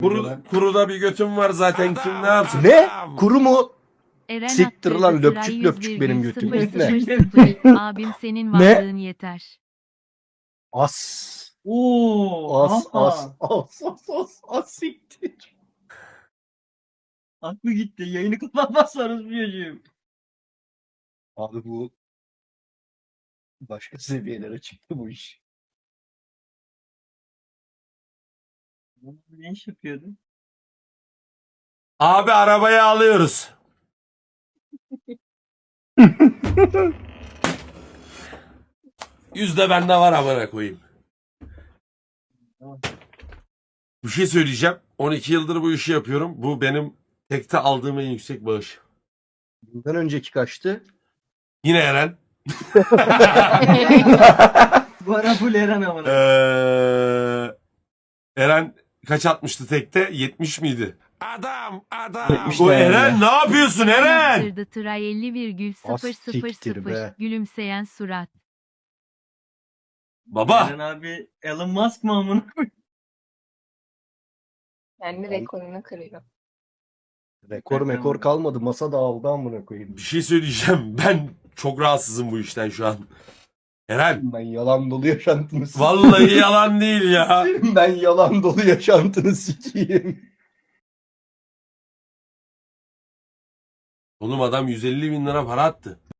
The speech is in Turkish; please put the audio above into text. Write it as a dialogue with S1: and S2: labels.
S1: Kuruda bir götüm var zaten, kim ne yapsın?
S2: Ne? Kuru mu?
S3: Eren
S2: Siktir
S3: attırdı
S2: lan,
S3: sıra
S2: löpçük löpçük benim götüm.
S3: 100,000. Abim senin
S2: Ne?
S3: varlığın yeter.
S2: As.
S4: Oo,
S2: As siktir.
S4: aklı gitti. Yayını kapatmazsanız diyeceğim.
S2: Abi bu başka seviyelere çıktı bu iş.
S4: Ne iş yapıyordu?
S1: Abi arabayı alıyoruz. Yüzde bende var, amına koyayım. Bir şey söyleyeceğim. 12 yıldır bu işi yapıyorum. Bu benim tekte aldığım en yüksek bağış.
S2: Bundan önceki kaçtı?
S1: Yine Eren.
S4: Bu ara full Eren amına.
S1: Eren kaç atmıştı tekte? 70 miydi? Adam.
S2: 70
S1: Bu
S2: de
S1: Eren
S2: yani.
S1: ne yapıyorsun Eren?
S3: Attırdı tıra 50,000.
S2: siktir be.
S3: Gülümseyen surat.
S1: Baba.
S4: Eren abi Elon Musk mı amına?
S5: Kendi rekorunu kırıyor.
S2: Rekor mekor kalmadı. Masa dağıldı amına koyayım.
S1: Bir şey söyleyeceğim. Ben çok rahatsızım bu işten şu an. Eren.
S2: Ben yalan dolu yaşantını sikeyim.
S1: Vallahi yalan değil ya.
S2: Ben yalan dolu yaşantını sikeyim.
S1: Oğlum adam 150 bin lira para attı.